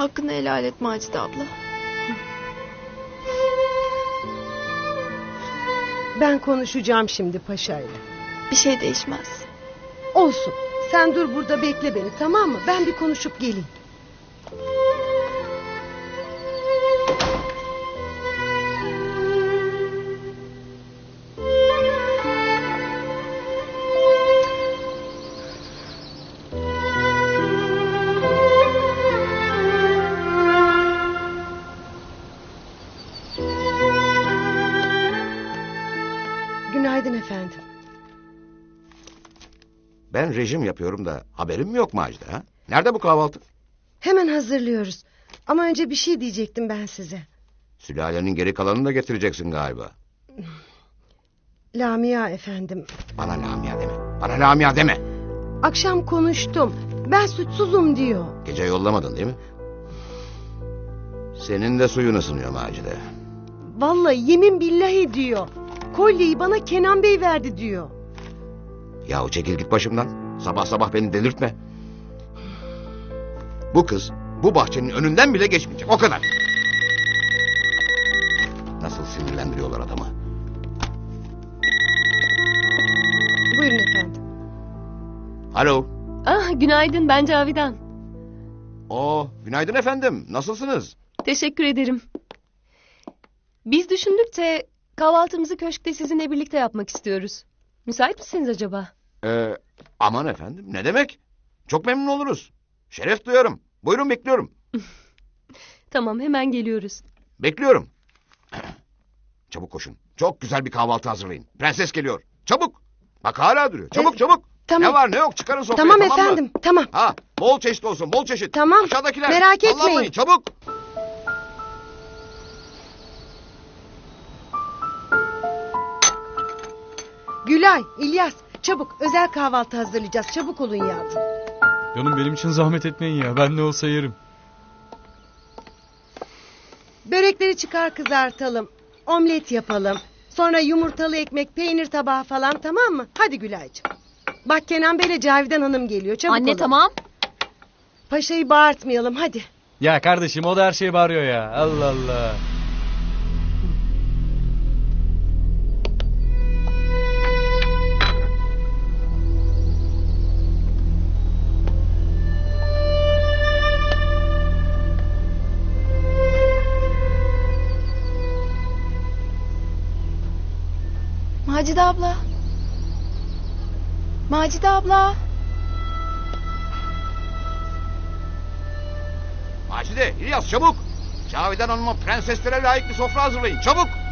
Hakkını helal et Macide abla. Ben konuşacağım şimdi paşayla. Bir şey değişmez. Olsun. Sen dur burada bekle beni, tamam mı? Ben bir konuşup geleyim. Günaydın efendim. Ben rejim yapıyorum da haberim mi yok Macide ha? Nerede bu kahvaltı? Hemen hazırlıyoruz. Ama önce bir şey diyecektim ben size. Sülalenin geri kalanını da getireceksin galiba. Lamia efendim. Bana Lamia deme. Bana Lamia deme. Akşam konuştum. Ben suçsuzum diyor. Gece yollamadın değil mi? Senin de suyun ısınıyor Macide. Vallahi yemin billahi diyor. Kolyeyi bana Kenan Bey verdi diyor. Yahu çekil git başımdan. Sabah sabah beni delirtme. Bu kız bu bahçenin önünden bile geçmeyecek. O kadar. Nasıl sinirlendiriyorlar adamı. Buyurun efendim. Alo. Günaydın, ben Cavidan. Günaydın efendim. Nasılsınız? Teşekkür ederim. Biz düşündük de kahvaltımızı köşkte sizinle birlikte yapmak istiyoruz. Müsait misiniz acaba? Aman efendim, ne demek? Çok memnun oluruz. Şeref duyarım. Buyurun, bekliyorum. Tamam, hemen geliyoruz. Bekliyorum. Çabuk koşun. Çok güzel bir kahvaltı hazırlayın. Prenses geliyor. Çabuk. Bak hala duruyor. Çabuk çabuk. Tamam. Ne var ne yok çıkarın sofraya, Tamam mı? efendim, tamam. Ha, bol çeşit olsun, bol çeşit. Tamam, Aşağıdakiler. merak etmeyin. Sallanmayın, çabuk. Gülay, İlyas, çabuk özel kahvaltı hazırlayacağız. Çabuk olun yavrum. Canım benim için zahmet etmeyin ya. Ben ne olsa yerim. Börekleri çıkar kızartalım. Omlet yapalım. Sonra yumurtalı ekmek, peynir tabağı falan, tamam mı? Hadi Gülaycığım. Bak Kenan Bey'le Cavidan Hanım geliyor. Çabuk Anne olun. tamam. Paşayı bağırtmayalım hadi. Ya kardeşim o da her şeye bağırıyor ya. Allah Allah. Macide abla. Macide abla. Macide, İlyas çabuk. Cavidan Hanım'a prenseslere layık bir sofra hazırlayın. Çabuk.